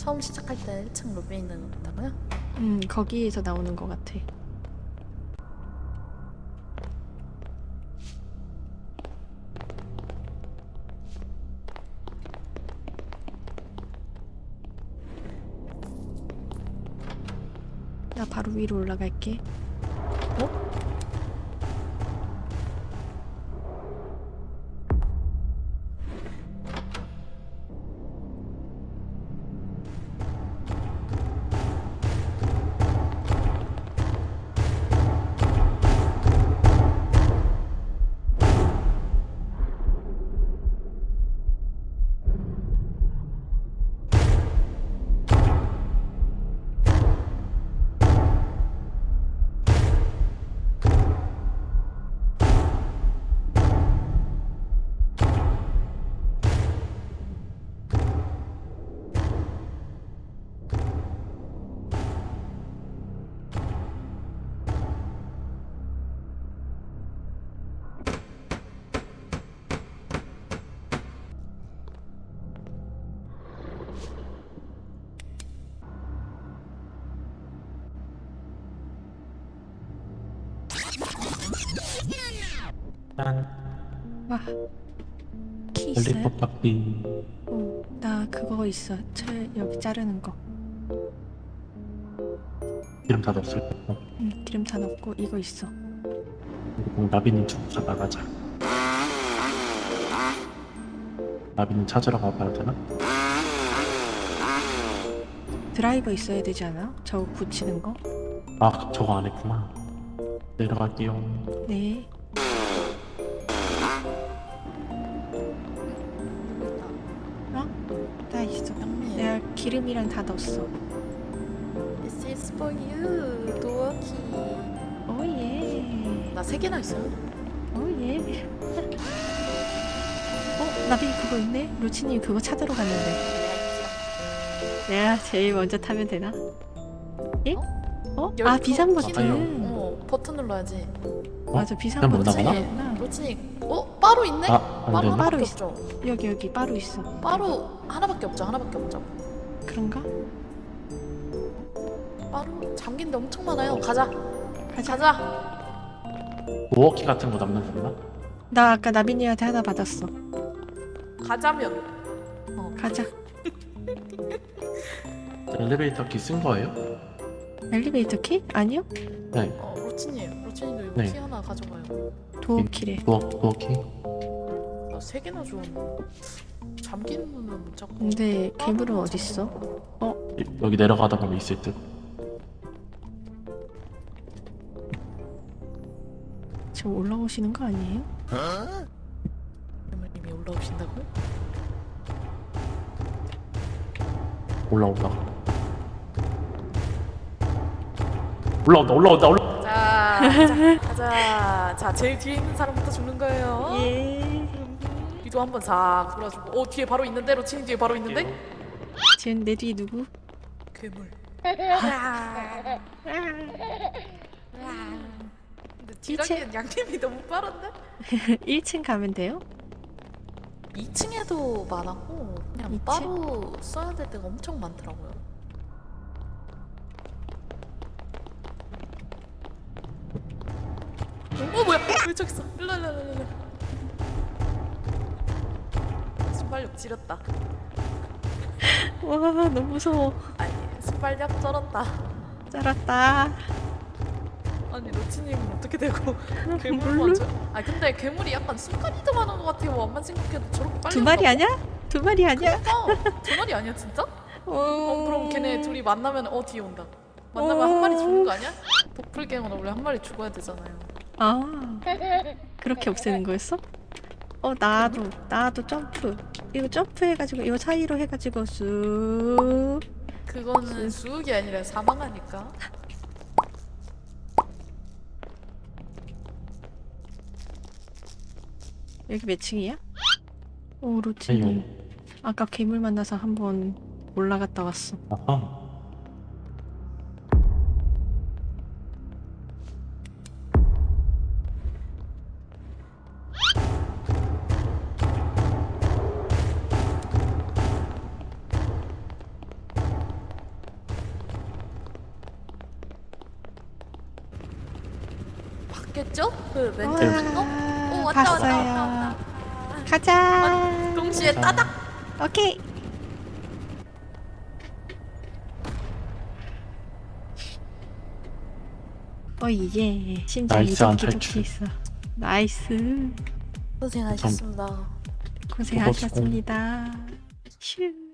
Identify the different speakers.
Speaker 1: 처음 시작할 때 1층 로비에 있는 거다고요?
Speaker 2: 거기에서 나오는 것 같아. 나 바로 위로 올라갈게.
Speaker 1: 어?
Speaker 3: 짠.
Speaker 2: 와, 키 있어요?
Speaker 3: 롤리팝 바퀴.
Speaker 2: 나 그거 있어. 여기 자르는 거.
Speaker 3: 기름 다 넣었을 거고.
Speaker 2: 기름 다 넣고 이거 있어.
Speaker 3: 그리고 나비님 주고 나가자. 나비님 찾으러 가봐야 되나?
Speaker 2: 드라이버 있어야 되지 않아? 저거 붙이는 거?
Speaker 3: 아, 저거 안 했구나. 내려갈게요.
Speaker 2: 네. 나 있어.
Speaker 1: 영미.
Speaker 2: 내가 기름이랑 다 넣었어.
Speaker 1: This is for you, 도어키.
Speaker 2: 오예.
Speaker 1: 나 3개나 있어요.
Speaker 2: 오예. 나비 그거 있네? 루치님 그거 찾으러 갔는데. 내가 제일 먼저 타면 되나? 예? 비상 버튼.
Speaker 1: 버튼 눌러야지.
Speaker 2: 맞아, 비상
Speaker 3: 그냥 못
Speaker 2: 버튼.
Speaker 3: 나가나?
Speaker 1: 로치님, 빠루 있네?
Speaker 3: 안
Speaker 1: 빠루
Speaker 3: 되나?
Speaker 1: 하나밖에
Speaker 2: 빠루
Speaker 1: 없죠?
Speaker 2: 여기 빠루 있어.
Speaker 1: 빠루 하나밖에 없죠? 하나밖에 없죠?
Speaker 2: 그런가?
Speaker 1: 빠루 잠긴 데 엄청 많아요. 가자.
Speaker 2: 가자.
Speaker 3: 도어키 같은 거 남는 건가?
Speaker 2: 나 아까 나비님한테 하나 받았어.
Speaker 1: 가자면.
Speaker 2: 가자.
Speaker 3: 엘리베이터 키 쓴 거예요?
Speaker 2: 엘리베이터 키? 아니요?
Speaker 3: 네.
Speaker 1: 로치님도 이거
Speaker 3: 네.
Speaker 1: 키 하나 가져가요.
Speaker 3: 네.
Speaker 2: 도어키래.
Speaker 3: 도어키?
Speaker 1: 나 3개나 줘. 잠기는 문은 못 잡고.
Speaker 2: 근데 괴물은 어딨어?
Speaker 3: 여기 내려가다 보면 있을 듯.
Speaker 2: 지금 올라오시는 거 아니에요?
Speaker 1: 괴물님이 올라오신다고요?
Speaker 3: 올라온다.
Speaker 1: 가자. 자, 제일 뒤에 있는 사람부터 죽는 거예요.
Speaker 2: 예.
Speaker 1: 뒤도 한번 싹 돌아주고. 뒤에 바로 있는데? 로치님 뒤에 바로 있는데?
Speaker 2: 지금 내 뒤에 누구?
Speaker 1: 괴물. 근데 뒤라기엔 양님이 너무 빠른데?
Speaker 2: 1층 가면 돼요?
Speaker 1: 2층에도 많았고 그냥
Speaker 2: 2층?
Speaker 1: 바로 써야 될 때가 엄청 많더라고요. 뭐야? 왜 저기 있어? 일로. 순발력 지렸다.
Speaker 2: 와, 너무 무서워.
Speaker 1: 아니 순발력 쩔었다.
Speaker 2: 쩔었다.
Speaker 1: 아니 로치님은 어떻게 되고
Speaker 2: 몰라.
Speaker 1: 괴물만 근데 괴물이 약간 순간 이동하는 것 같아요. 엄만 생각해도 저렇게 빨리
Speaker 2: 두 마리
Speaker 1: 온다고?
Speaker 2: 아니야? 두 마리 아니야?
Speaker 1: 두 마리 아니야 진짜?
Speaker 2: 어,
Speaker 1: 그럼 걔네 둘이 만나면 뒤에 온다. 만나면 한 마리 죽는 거 아니야? 도플갱어는 원래 한 마리 죽어야 되잖아요.
Speaker 2: 아, 그렇게 없애는 거였어? 나도 점프. 이거 점프해가지고 이거 사이로 해가지고 쑥.
Speaker 1: 그거는 수욱이 아니라 사망하니까.
Speaker 2: 여기 몇 층이야? 오, 로치님. 아까 괴물 만나서 한번 올라갔다 왔어.
Speaker 3: 아하.
Speaker 1: 보셨겠죠? 그 멘트 친 거? 오 왔다 왔다
Speaker 2: 봤어요.
Speaker 1: 왔다 왔다.
Speaker 2: 가자.
Speaker 1: 동시에
Speaker 3: 가자.
Speaker 1: 따닥.
Speaker 2: 오케이. 이제 심장
Speaker 3: 나이스, 안
Speaker 2: 이동기
Speaker 3: 탈출.
Speaker 2: 있어. 나이스.
Speaker 1: 고생하셨습니다.
Speaker 2: 고생하셨습니다. 슈.